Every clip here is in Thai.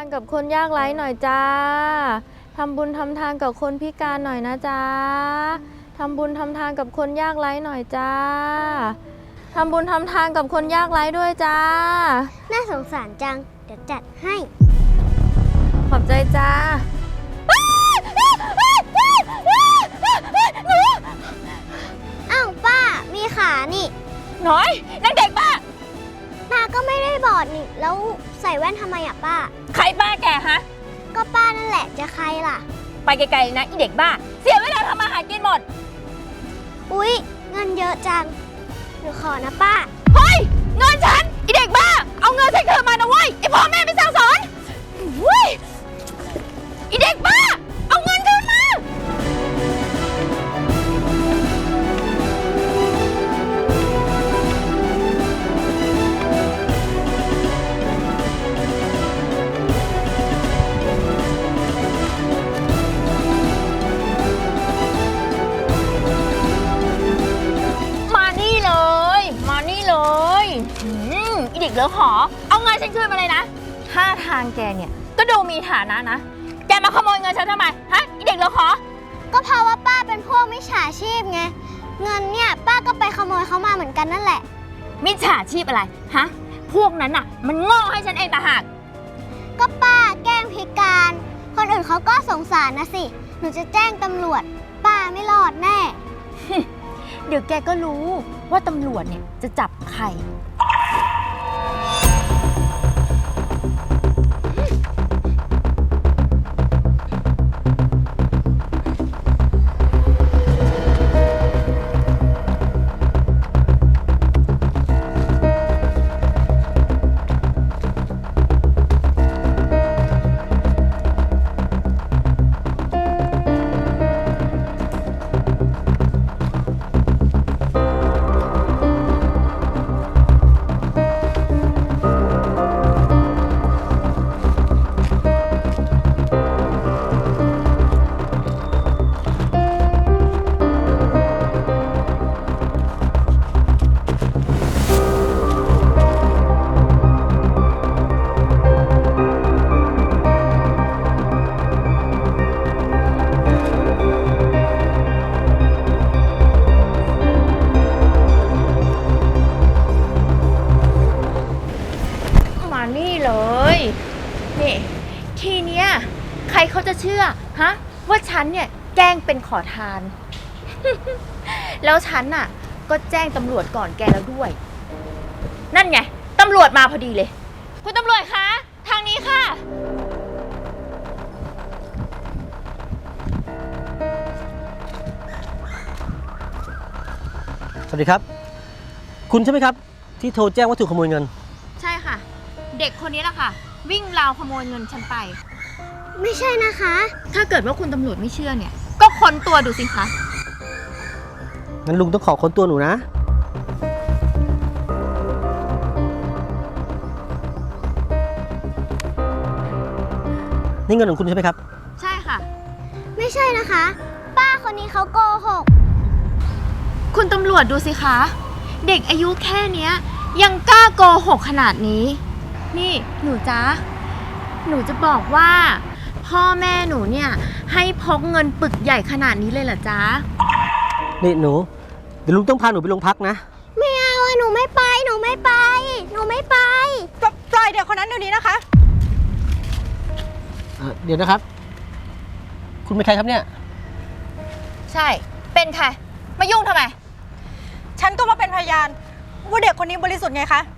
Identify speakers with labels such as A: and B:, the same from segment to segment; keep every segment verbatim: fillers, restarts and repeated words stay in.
A: านกับคนยากไร้หน่อยจ้าทำบุญทำทานกับคนพิการหน่อยนะจ้าทำบุญทำทานกับคนยากไร้หน่อยจ้าทำบุญทำทานกับคนยากไร้ด้วยจ้า
B: น่าสงสารจังเดี๋ยวจัดให้
A: ขอบใจจ้า
B: อ้าวป้ามีขานี่
A: น้อยนางเด็กบ้า
B: ป้าก็ไม่ได้บอดนี่แล้วใส่แว่นทำไมอ่ะป้า
A: ใครป้าแกฮะ
B: ก็ป้านั่นแหละจะใครล่ะ
A: ไปไกลๆนะอีเด็กบ้าเสียเวลาทำมาหากินหมด
B: อุ๊ยเงินเยอะจังหนูขอนะป้า
A: เฮ้ยเงินฉันอีเด็กบ้าเอาเงินฉันคืนมานะเว้ยไอพ่อแม่ไม่สั่งสอนเฮ้ยอีเด็กบ้าเอาเงินคืนมาเด็กเหลือขอเอาเงินฉันคืนมาเลยนะท่าทางแกเนี่ยก็ดูมีฐานะนะแกมาขโมยเงินฉันทำไมฮะอีเด็กเหลือขอ
B: ก็เพราะว่าป้าเป็นพวกมิจฉาชีพไงเงินเนี่ยป้าก็ไปขโมยเขามาเหมือนกันนั่นแหละ
A: มิจฉาชีพอะไรฮะพวกนั้นน่ะมันโง่ให้ฉันเองต่างหาก
B: ก็ป้าแกล้งพิการคนอื่นเขาก็สงสารนะสิหนูจะแจ้งตำรวจป้าไม่รอดแน่
A: เดี๋ยวแกก็รู้ว่าตำรวจเนี่ยจะจับใครนี่เลยนี่ทีเนี้ยใครเขาจะเชื่อฮะว่าฉันเนี่ยแกล้งเป็นขอทาน แล้วฉันน่ะก็แจ้งตำรวจก่อนแกแล้วด้วยนั่นไงตำรวจมาพอดีเลยคุณตำรวจคะทางนี้ค่ะ
C: สวัสดีครับคุณใช่ไหมครับที่โทรแจ้งว่าถูกขโมยเงิน
A: ใช่ค่ะเด็กคนนี้แหละค่ะวิ่งราวขโมยเงินฉันไป
B: ไม่ใช่นะคะ
A: ถ้าเกิดว่าคุณตำรวจไม่เชื่อเนี่ยก็ค้นตัวดูสิคะ
C: งั้นลุงต้องขอค้นตัวหนูนะนี่เงินของคุณใช่ไหมครับ
A: ใช่ค่ะ
B: ไม่ใช่นะคะป้าคนนี้เขาโกหก
A: คุณตำรวจดูสิคะเด็กอายุแค่เนี้ยยังกล้าโกหกขนาดนี้นี่หนูจ๊ะหนูจะบอกว่าพ่อแม่หนูเนี่ยให้พกเงินปึกใหญ่ขนาดนี้เลยเหรอจ๊ะ
C: นี่หนูเดี๋ยวลุงต้องพาหนูไปโรงพักนะ
B: ไม่เอาหนูไม่ไปหนูไม่ไปหนูไม่ไป
A: ปล่อยเด็กคนนั้นเดี๋ยวนี้นะคะ
C: เดี๋ยวนะครับคุณเป็นใครครับเนี่ย
A: ใช่เป็นใครมายุ่งทำไม
D: ฉันก็มาเป็นพยานว่าเด็กคนนี้บริสุทธิ์ไงคะ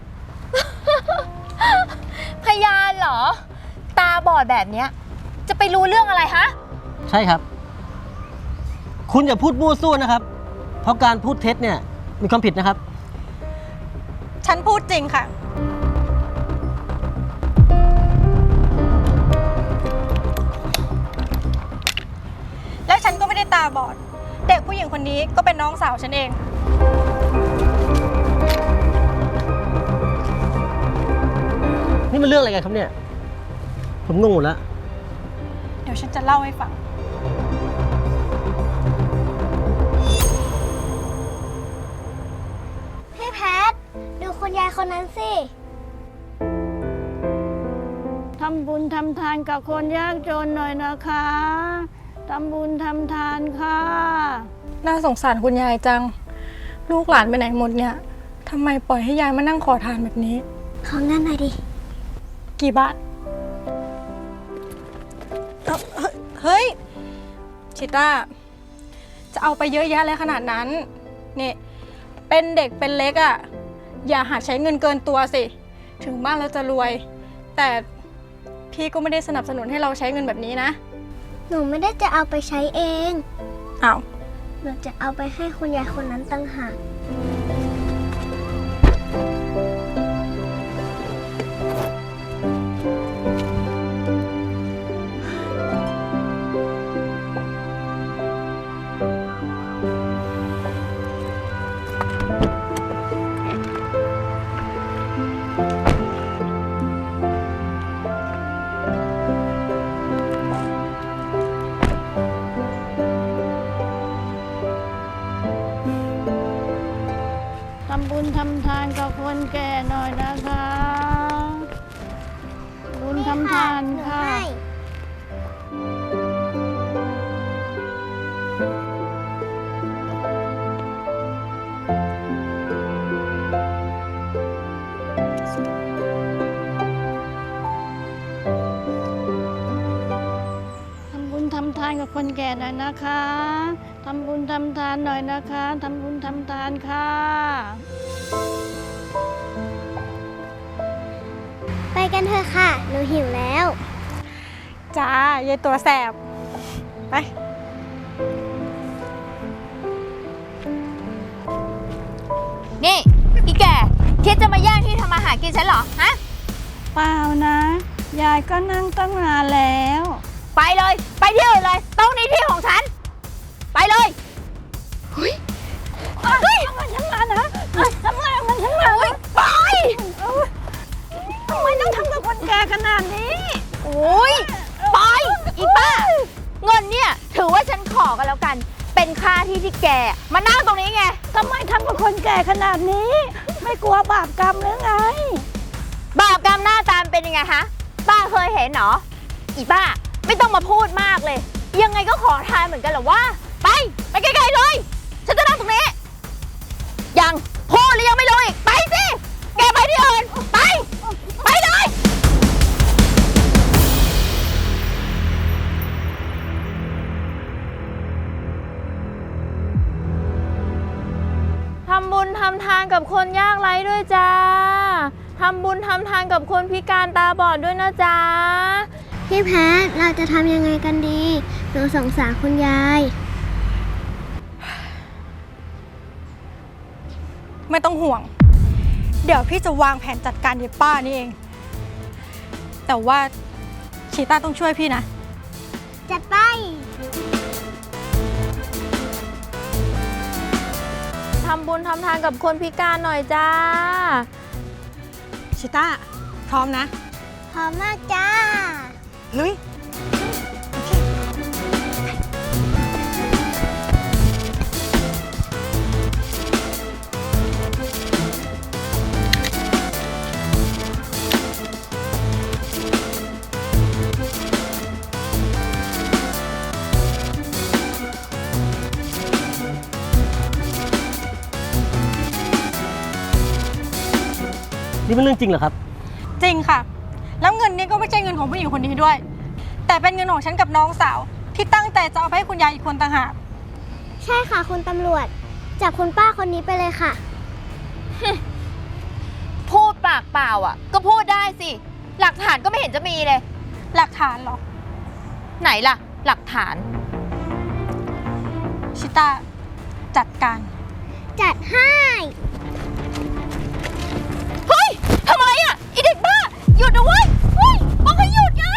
A: พยานเหรอตาบอดแบบนี้จะไปรู้เรื่องอะไรฮะ
C: ใช่ครับคุณอย่าพูดมั่วซั่วนะครับเพราะการพูดเท็จเนี่ยมีความผิดนะครับ
D: ฉันพูดจริงค่ะและฉันก็ไม่ได้ตาบอดเด็กผู้หญิงคนนี้ก็เป็นน้องสาวฉันเอง
C: นี่มันเรื่องอะไรกันครับเนี่ยผมงงหมดแล้ว
D: เดี๋ยวฉันจะเล่าให้ฟัง
B: คุณยายคนนั้นสิ
A: ท
E: ทำบุญทำทานกับคนยากจนหน่อยนะคะทำบุญทำทานค่ะ
D: น่าสงสารคุณยายจัง ลูกหลานไปไหนหมดเนี่ยทำไมปล่อยให้ยายมานั่งขอทานแบบนี้
B: ขอเงินหน่อยดิ
D: กี่บาทเอ้าเฮ้ย ชิต้า จะเอาไปเยอะแยะเลยขนาดนั้น นี่ เป็นเด็กเป็นเล็กอะ่ะ อย่าหาใช้เงินเกินตัวสิ ถึงบ้านเราจะรวย แต่พี่ก็ไม่ได้สนับสนุนให้เราใช้เงินแบบนี้นะ
B: หนูไม่ได้จะเอาไปใช้เอง
D: อ้าว
B: หนูจะเอาไปให้คุณยายคนนั้นตั้งหาก
E: ทำบุญทำทานกับคนแก่หน่อยนะคะ บุญทำทาน
B: หนู
E: ค่ะ
B: ให้
E: ทำบุญทำทานกับคนแก่หน่อยนะคะ ทำบุญทำทานหน่อยนะคะ ทำบุญทำทานค่ะ
B: ไปกันเถอะค่ะ หนูหิวแล้ว
D: จ้ายายตัวแสบ ไป
A: นี่อีแก่คิดจะมาแย่งที่ทำมาหากินฉันเหรอ ฮะ
E: เปล่านะ ยายก็นั่งตั้งนานแล้ว
A: ไปเลย ไปที่อื่นเลยตรงนี้ที่ของฉัน ไปเลยเฮ้ยเฮ้ย
E: มันฉันมานะทำไมมันฉันมา
A: ไป
E: ทำไมต้องทำกับคนแก่ขนาดนี้
A: โอ้ยไปอีป้า เงินเนี่ยถือว่าฉันขอกันแล้วกัน เป็นค่าที่ที่แกมานั่งตรงนี้ไง
E: ทำไมทำกับคนแก่ขนาดนี้ ไม่กลัวบาปกรรมหรือไง
A: บาปกรรมหน้าตามเป็นยังไงฮะป้าเคยเห็นเหรออีป้าไม่ต้องมาพูดมากเลย ยังไงก็ขอทานเหมือนกันเหรอวะไปไปไกลๆเลย ฉันจะนั่งตรงนี้ยังพูดหรือยังไม่รู้อีกไปสิแกไปที่อื่นไปไปเลยทำบุญทำทานกับคนยากไร้ด้วยจ้าทำบุญทำทานกับคนพิการตาบอดด้วยนะจ๊ะ
B: พี่แพทเราจะทำยังไงกันดี หนูสงสารคุณยาย
D: ไม่ต้องห่วง เดี๋ยวพี่จะวางแผนจัดการยายป้านี่เอง แต่ว่าชีต้าต้องช่วยพี่นะ
B: จัดไป
A: ทำบุญทำทานกับคนพิการหน่อยจ้า
D: ชิต้า พร้อมนะ
B: พร้อมมากจ้า
D: ลุย
C: นี่เป็นเรื่องจริงเหรอครับ
D: จริงค่ะ แล้วเงินนี้ก็ไม่ใช่เงินของผู้หญิงคนนี้ด้วย แต่เป็นเงินของฉันกับน้องสาว ที่ตั้งใจจะเอาไปให้คุณยายอีกคนต่างหาก
B: ใช่ค่ะคุณตำรวจ จับคุณป้าคนนี้ไปเลยค่ะ
A: พูดปากเปล่าอ่ะ ก็พูดได้สิ หลักฐานก็ไม่เห็นจะมีเลย
D: หลักฐานเหรอ
A: ไหนล่ะ หลักฐาน
D: ชิต้า จัดการ
B: จัดให้
A: เฮ้ยทำไมอ่ะไอเด็กบ้า หยุดนะเว้ยเฮ้ยบอกให้หยุดไง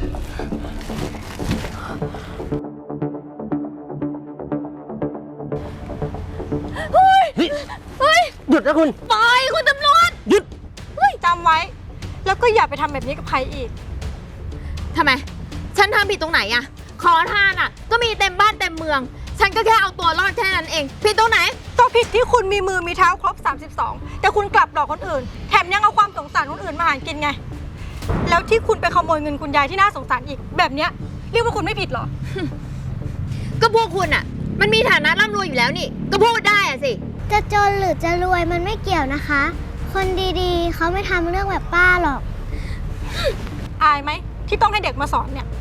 A: เฮ้ย
C: เฮ้ย
A: เฮ้ย
C: หยุดนะคุณ
A: ปล่อยคุณตำรวจ
C: หยุด
D: จำไว้ แล้วก็อย่าไปทำแบบนี้กับใครอีก
A: ทำไม ฉันทำผิดตรงไหนอะขอทานอะก็มีเต็มบ้านเต็มเมือง ฉันก็แค่เอาตัวรอดแค่นั้นเอง ผิดตรงไหน
D: ก็ผิดที่คุณมีมือมีเท้าครบสามสิบสองแต่คุณกลับหลอกคนอื่น แถมยังเอาความสงสารคนอื่นมาหากินไงแล้วที่คุณไปขโมยเงินคุณยายที่น่าสงสารอีกแบบเนี้ยเรียกว่าคุณไม่ผิดเหรอ
A: ก็พวกคุณอะมันมีฐานะร่ำรวยอยู่แล้วนี่ ก็พูดได้อะสิ
B: จะจนหรือจะรวยมันไม่เกี่ยวนะคะ คนดีๆ เขาไม่ทำเรื่องแบบป้าหรอก
D: อายไหมที่ต้องให้เด็กมาสอนเนี่ย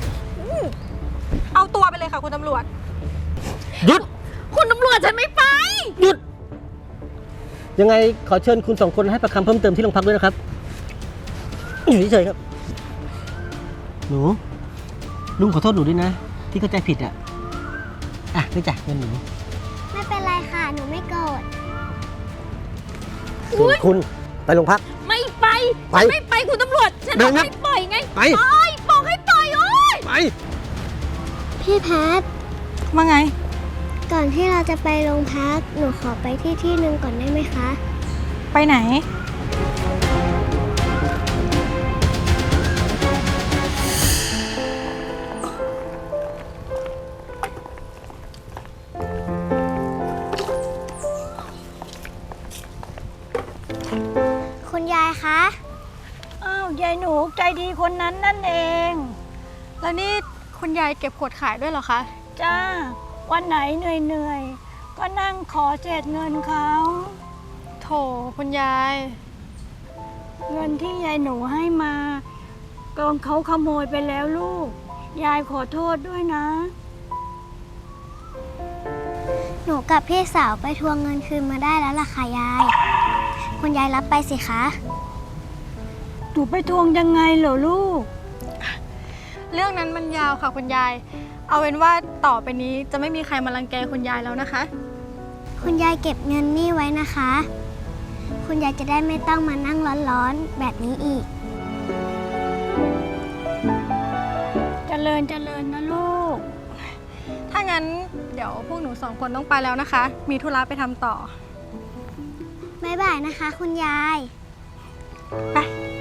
D: เอาตัวไปเลยค่ะคุณตำรวจ
C: หยุด
A: คุณตำรวจฉันไม่ไป
C: หยุด ยังไงขอเชิญคุณสองคนให้ปากคำเพิ่มเติมที่โรงพักด้วยนะครับ อยู่เฉยๆครับ หนู ลุงขอโทษหนูด้วยนะ ที่เข้าใจผิดอ่ะ อ่ะไม่จ่ายเงินหนู
B: ไม่เป็นไรค่ะ หนูไม่โกรธ
C: ส่วนคุณไปโรงพัก
A: ไม่ไป
C: ไป
A: ฉันไม่ไปคุณตำรวจ ฉัน
C: เดิ
A: บอน ก
C: ครับ
A: ให้ปล่อยไง
C: ไป
A: ปล่อยบอกให้ปล่อยโอ๊ย
C: ไป
B: พี่แพท
D: ว่าไง
B: ก่อนที่เราจะไปโรงพัก หนูขอไปที่ที่หนึ่งก่อนได้ไหมคะ
D: ไปไหน
B: คุณยายคะ
E: อ้าวยายหนูใจดีคนนั้นนั่นเอง
D: แล้วนี่คุณยายเก็บขวดขายด้วยเหรอคะ
E: จ้า วันไหนเหนื่อยๆ ก็นั่งขอเศษเงินเขา
D: โถคุณยาย
E: เงินที่ยายหนูให้มากองเขาขโมยไปแล้วลูก ยายขอโทษด้วยนะ
B: หนูกับพี่สาวไปทวงเงินคืนมาได้แล้วล่ะค่ะยาย คุณยายรับไปสิคะ
E: หนูไปทวงยังไงเหรอลูก
D: เรื่องนั้นมันยาวค่ะคุณยาย เอาเป็นว่าต่อไปนี้จะไม่มีใครมารังแกคุณยายแล้วนะคะ
B: คุณยายเก็บเงินนี่ไว้นะคะ คุณยายจะได้ไม่ต้องมานั่งร้อนๆแบบนี้อีก
E: เจริญเจริญนะลูก
D: ถ้างั้นเดี๋ยวพวกหนูสองคนต้องไปแล้วนะคะ มีธุระไปทำต่อ
B: บ๊ายบายนะคะ คุณยาย
D: ไป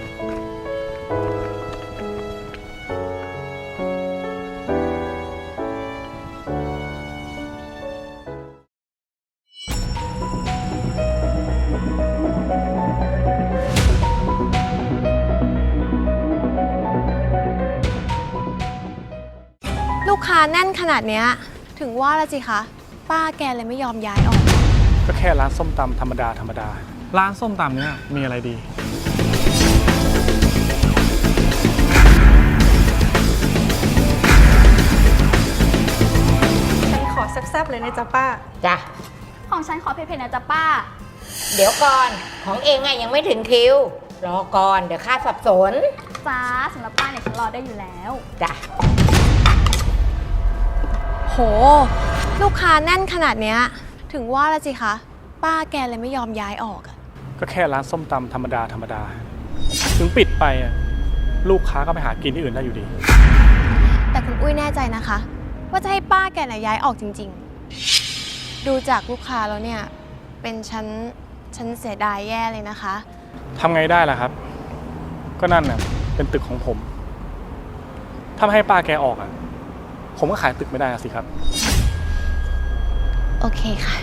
F: ลูกค้าแน่นขนาดเนี้ยถึงว่าละสิคะ ป้าแกเลยไม่ยอมย้ายออก
G: ก็แค่ร้านส้มตำธรรมดาธรรมดา ร้านส้มตำเนี่ยมีอะไรดี
D: ฉันขอแซ่บๆเลยนะจ๊ะป้า
H: จ้ะ
A: ของฉันขอเผ็ดๆนะจ๊ะป้า
H: เดี๋ยวก่อนของเองอะยังไม่ถึงคิว รอก่อนเดี๋ยวข้าสับสน
A: จ้าสำหรับป้าเนี่ยฉันรอได้อยู่แล้ว
H: จ้ะ
F: โห ลูกค้าแน่นขนาดเนี้ยถึงว่าละสิคะ ป้าแกเลยไม่ยอมย้ายออกอะ
G: ก็แค่ร้านส้มตำธรรมดาธรรมดา ถึงปิดไปอะลูกค้าก็ไปหากินที่อื่นได้อยู่ดี
F: แต่คุณอุ้ยแน่ใจนะคะ ว่าจะให้ป้าแกน่ะย้ายออกจริงๆ ดูจากลูกค้าแล้วเนี่ย เป็นฉันฉันเสียดายแย่เลยนะคะ
G: ทำไงได้ล่ะครับ ก็นั่นน่ะเป็นตึกของผม ถ้าไม่ให้ป้าแกออกอะผมก็ขายตึกไม่ได้อะสิครับ
F: โอเคค่ะ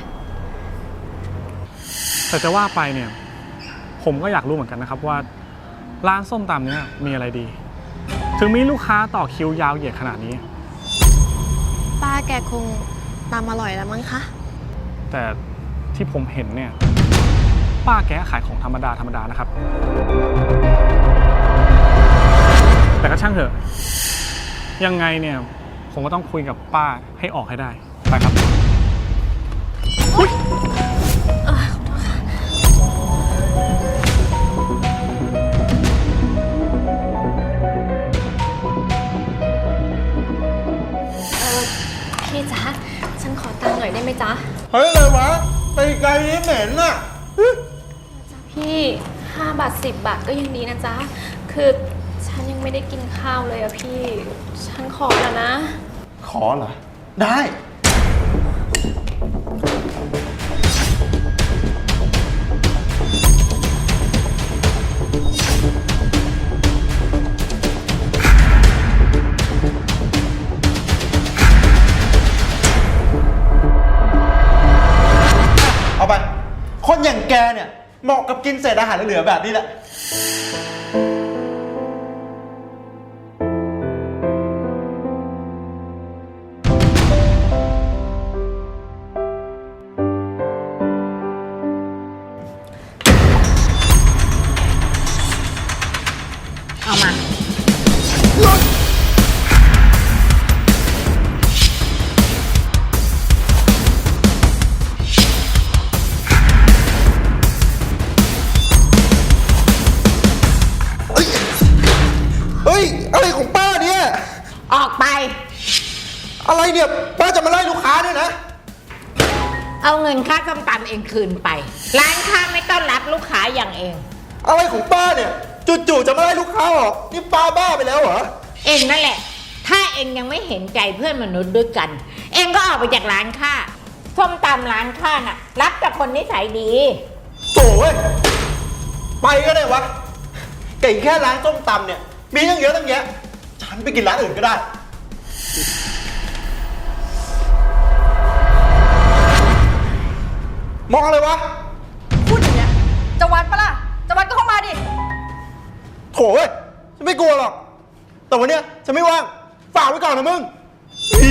G: แต่จะว่าไปเนี่ย ผมก็อยากรู้เหมือนกันนะครับว่า ร้านส้มตำเนี่ยมีอะไรดี ถึงมีลูกค้าต่อคิวยาวเหยียดขนาดนี้
F: ป้าแกคงตามอร่อยแล้วมั้งคะ
G: แต่ที่ผมเห็นเนี่ย ป้าแกขายของธรรมดาธรรมดานะครับ แต่ก็ช่างเถอะ ยังไงเนี่ย ผมก็ต้องคุยกับป้าให้ออกให้ได้ ไปครับ
F: พี่จ๊ะ ฉันขอตังค์หน่อยได้ไหมจ๊ะ
I: เฮ้ยอะไรวะ ไปไกลนี้เหม็นน่ะ
F: พี่ห้าบาทสิบบาทก็ยังดีนะจ๊ะ คือฉันยังไม่ได้กินข้าวเลยอะพี่ ฉันขอแล้วนะ
I: ขอเหรอ ได้ เอาไป คนอย่างแกเนี่ย เหมาะกับกินเศษอาหารเหลือๆแบบนี้แหละอะไรของป้าเนี่ย
H: ออกไป
I: อะไรเนี่ย ป้าจะมาไล่ลูกค้าด้วยนะ
H: เอาเงินค่าส้มตำเองคืนไป ร้านค้าไม่ต้อนรับลูกค้าอย่างเอง
I: อะไรของป้าเนี่ยจู่ๆจะมาไล่ลูกค้าออกนี่ป้าบ้าไปแล้วเหรอ
H: เองนั่นแหละ ถ้าเองยังไม่เห็นใจเพื่อนมนุษย์ด้วยกัน เองก็ออกไปจากร้านค้าส้มตำร้านค้าน่ะ รับแต่คนนิสัยดี
I: โถ่เว้ยไปก็ได้วะไก่แค่ร้านส้มตำเนี่ย มีตั้งเยอะตั้งแยะ ฉันไปกินร้านอื่นก็ได้ มองอะไรวะ
D: พูดอย่างเนี้ยจะวัดปะล่ะ จะวัดก็เข้ามาดิ
I: โถ่เว้ยฉันไม่กลัวหรอก แต่วันเนี้ยฉันไม่ว่าง ฝากไว้ก่อนนะมึงอี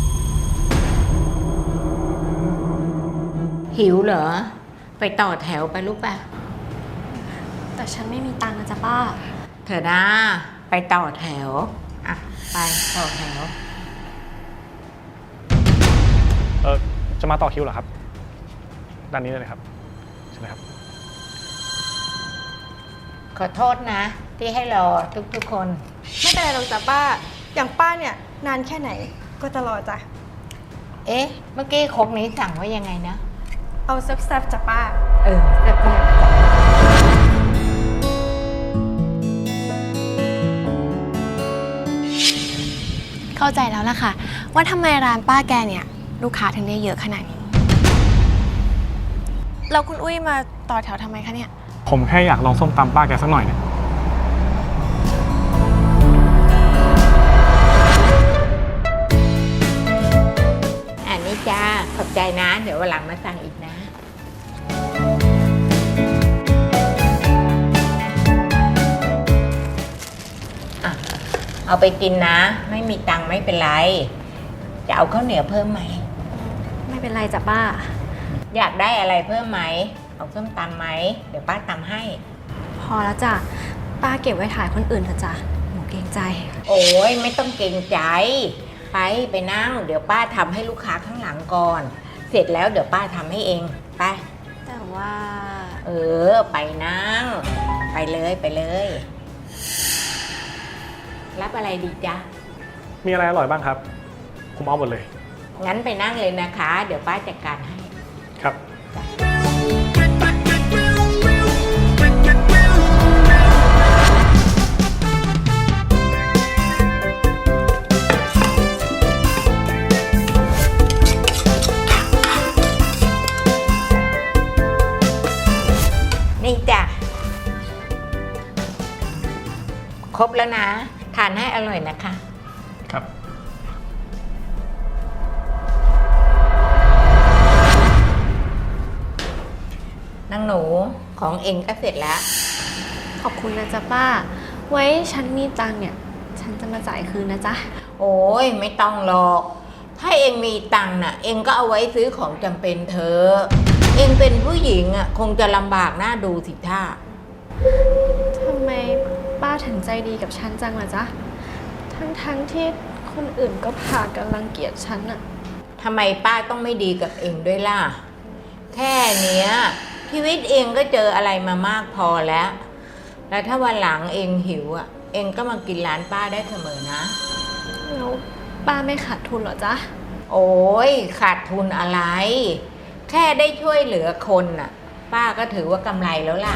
H: หิวเหรอ ไปต่อแถวไปลูกป่ะ
F: แต่ฉันไม่มีตังค์นะจ๊ะป้า
H: เถอะนะไปต่อแถว อ่ะ ไปต่อแถว
G: เออจะมาต่อคิวเหรอครับ ด้านนี้เลยครับใช่ไหมครับ
H: ขอโทษนะ ที่ให้รอทุกๆคน
D: ไม่เป็นไรหรอกจ้ะป้า อย่างป้าเนี่ยนานแค่ไหนก็จะรอจ้ะ
H: เอ๊ะ เมื่อกี้ครกนี้สั่งว่ายังไงนะ
D: เอาแซ่บๆจ้ะป้า
H: เออแซ่บๆ
F: เข้าใจแล้วล่ะค่ะ ว่าทำไมร้านป้าแกเนี่ยลูกค้าถึงได้เยอะขนาดนี้แล้วคุณอุ้ยมาต่อแถวทำไมคะเนี่ย
G: ผมแค่อยากลองส้มตำป้าแกสักหน่อยเนี่ย
H: อันนี้จ้า ขอบใจนะ เดี๋ยววันหลังมาสั่งอีกนะ อ่ะ เอาไปกินนะ ไม่มีตังค์ไม่เป็นไร จะเอาข้าวเหนียวเพิ่มไหม
F: ไม่เป็นไรจ้ะป้า
H: อยากได้อะไรเพิ่มไหม เอาส้มตำไหม เดี๋ยวป้าตำให้
F: พอแล้วจ้ะป้าเก็บไว้ถ่ายคนอื่นเถอะจ้ะหนูเกรงใจ
H: โอ้ยไม่ต้องเกรงใจ ไปไปนั่ง เดี๋ยวป้าทำให้ลูกค้าข้างหลังก่อน เสร็จแล้วเดี๋ยวป้าทำให้เอง ไป
F: แต่ว่า
H: เออ ไปนั่ง ไปเลยไปเลย รับอะไรดีจ๊ะ
G: มีอะไรอร่อยบ้างครับ ผมเอาหมดเลย
H: งั้นไปนั่งเลยนะคะ เดี๋ยวป้าจัดการให้
G: ครับ
H: นี่จ้ะ ครบแล้วนะ ทานให้อร่อยนะคะ
G: ครับ
H: นางหนูของเองก็เสร็จแล้ว
F: ขอบคุณนะจ๊ะป้า ไว้ฉันมีตังค์เนี่ย ฉันจะมาจ่ายคืนนะจ๊ะ
H: โอ้ยไม่ต้องหรอก ถ้าเองมีตังค์น่ะ เองก็เอาไว้ซื้อของจำเป็นเธอะเองเป็นผู้หญิงอ่ะคงจะลำบากหน้าดูสิท่า
F: ทำไมป้าถึงใจดีกับฉันจังล่ะจ๊ะ ทั้งๆที่คนอื่นก็พากันรังเกียจฉันอะ
H: ทำไมป้าต้องไม่ดีกับเองด้วยล่ะ แค่เนี้ยชีวิตเองก็เจออะไรมามากพอแล้ว แล้วถ้าวันหลังเองหิวอ่ะ เองก็มากินร้านป้าได้เสมอนะ
F: แล้วป้าไม่ขาดทุนเหรอจ๊ะ
H: โอ้ยขาดทุนอะไร แค่ได้ช่วยเหลือคนน่ะ ป้าก็ถือว่ากำไรแล้วล่ะ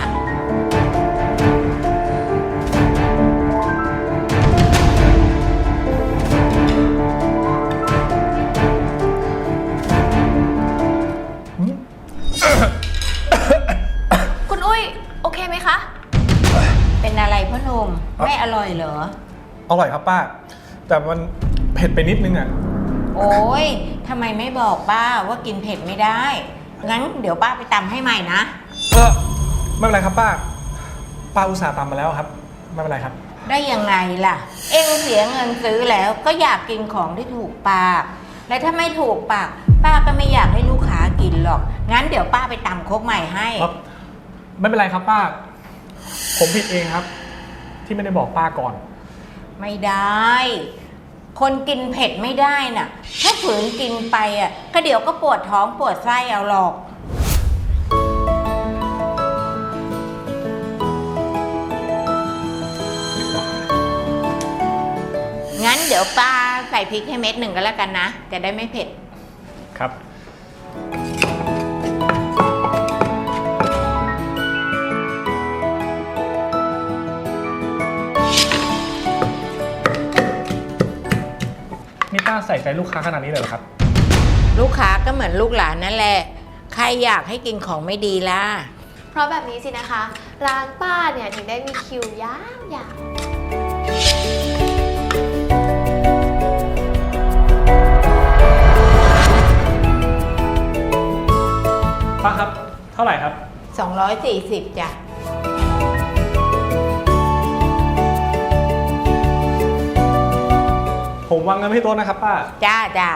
F: คุณอุ้ยโอเคไหมคะ
H: เป็นอะไรพ่อหนุ่มไม่อร่อยเหรอ
G: อร่อยครับป้า แต่มันเผ็ดไปนิดนึงอ่ะ
H: โอ้ยทำไมไม่บอกป้าว่ากินเผ็ดไม่ได้ งั้นเดี๋ยวป้าไปตำให้ใหม่นะ
G: เออไม่เป็นไรครับป้า ป้าอุตส่าห์ตามมาแล้วครับ ไม่เป็นไรครับ
H: ได้ยังไงล่ะ เองเสียเงินซื้อแล้วก็อยากกินของที่ถูกปาก และถ้าไม่ถูกปาก ป้าก็ไม่อยากให้ลูกค้ากินหรอก งั้นเดี๋ยวป้าไปตำครกใหม่ให้
G: ครับ ไม่เป็นไรครับป้า ผมผิดเองครับ ที่ไม่ได้บอกป้าก่อน
H: ไม่ได้ คนกินเผ็ดไม่ได้น่ะ ถ้าฝืนกินไปอ่ะก็เดี๋ยวก็ปวดท้องปวดไส้เอาหรอกงั้นเดี๋ยวป้าใส่พริกให้เม็ดหนึ่งก็แล้วกันนะ จะได้ไม่เผ็ด
G: ครับ นี่ป้าใส่ใจลูกค้าขนาดนี้เลยเหรอครับ
H: ลูกค้าก็เหมือนลูกหลานนั่นแหละ ใครอยากให้กินของไม่ดีล่ะ
F: เพราะแบบนี้สินะคะ ร้านป้าเนี่ยถึงได้มีคิวยาวๆ
G: ป้าครับ เท่าไหร่ครับ
H: สองร้อยสี่สิบจ้ะ
G: ผมวางเงินไว้ที่โต๊ะนะครับป้า
H: จ้าจ้า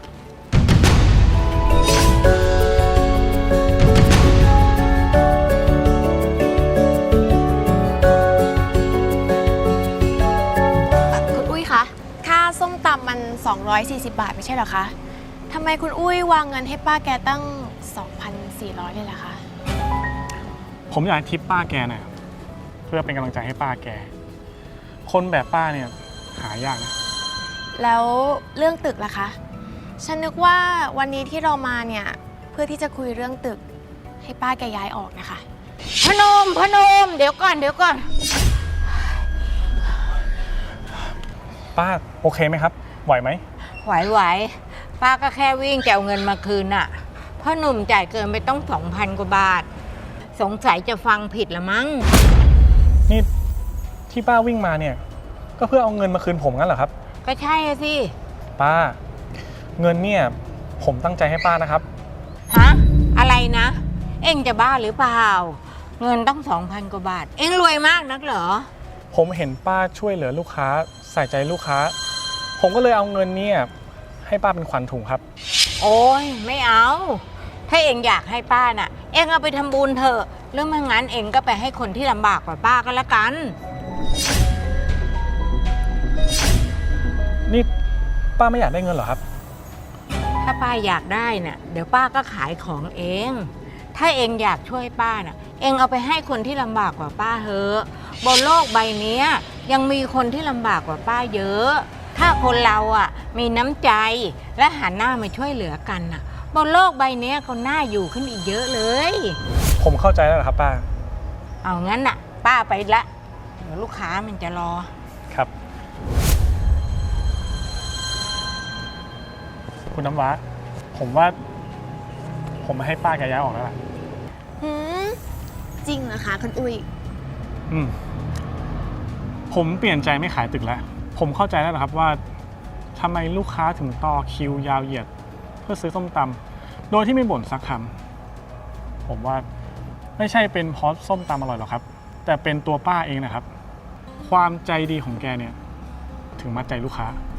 F: คุณอุ้ยคะ ค่าส้มตำมัน สองร้อยสี่สิบบาทไม่ใช่เหรอคะ ทำไมคุณอุ้ยวางเงินให้ป้าแกตั้ง สองพันสี่ร้อย เลยล่ะคะ
G: ผมอยากให้ทิปป้าแกหน่อยเพื่อเป็นกำลังใจให้ป้าแก คนแบบป้าเนี่ยหายากนะ
F: แล้วเรื่องตึกล่ะคะ ฉันนึกว่าวันนี้ที่เรามาเนี่ยเพื่อที่จะคุยเรื่องตึกให้ป้าแกย้ายออกนะคะ
H: พนมพนมเดี๋ยวก่อนเดี๋ยวก่อน
G: ป้าโอเคไหมครับ ไหวไหม
H: ไหวไหวป้าก็แค่วิ่งจะเอาเงินมาคืนน่ะพ่อหนุ่มจ่ายเกินไปต้องสองพันกว่าบาท สงสัยจะฟังผิดละมั้ง
G: นี่ที่ป้าวิ่งมาเนี่ยก็เพื่อเอาเงินมาคืนผมงั้นเหรอครับ
H: ก็ใช่อะสิ
G: ป้า เงินเนี่ยผมตั้งใจให้ป้านะครับ
H: ฮะอะไรนะ เอ็งจะบ้าหรือเปล่า เงินต้องสองพันกว่าบาท เอ็งรวยมากนักเหรอ
G: ผมเห็นป้าช่วยเหลือลูกค้าใส่ใจลูกค้า ผมก็เลยเอาเงินเนี่ยให้ป้าเป็นขวัญถุงครับ
H: โอ้ยไม่เอา ถ้าเอ็งอยากให้ป้าน่ะ เอ็งเอาไปทำบุญเถอะหรือไม่งั้นเอ็งก็ไปให้คนที่ลำบากกว่าป้าก็แล้วกัน
G: นี่ป้าไม่อยากได้เงินเหรอครับ
H: ถ้าป้าอยากได้น่ะเดี๋ยวป้าก็ขายของเอง ถ้าเองอยากช่วยป้าน่ะ เองเอาไปให้คนที่ลำบากกว่าป้าเถอะบนโลกใบนี้ยังมีคนที่ลำบากกว่าป้าเยอะ ถ้าคนเราอ่ะมีน้ำใจและหันหน้ามาช่วยเหลือกันน่ะบนโลกใบนี้ก็น่าอยู่ขึ้นอีกเยอะเลย
G: ผมเข้าใจแล้วเหรอครับป้า
H: เอางั้นน่ะ ป้าไปละเดี๋ยวลูกค้ามันจะรอ
G: ครับ คุณน้ำว้าผมว่า ผมมาให้ป้าแกย้ายออกแล้วล่ะ
F: หืม จริงเหรอคะคุณอุ้ย
G: อืม ผมเปลี่ยนใจไม่ขายตึกแล้ว ผมเข้าใจแล้วนะครับว่าทำไมลูกค้าถึงต่อคิวยาวเหยียด เพื่อซื้อส้มตำโดยที่ไม่บ่นสักคำผมว่าไม่ใช่เป็นเพราะส้มตำอร่อยหรอกครับ แต่เป็นตัวป้าเองนะครับ ความใจดีของแกเนี่ยถึงมัดใจลูกค้า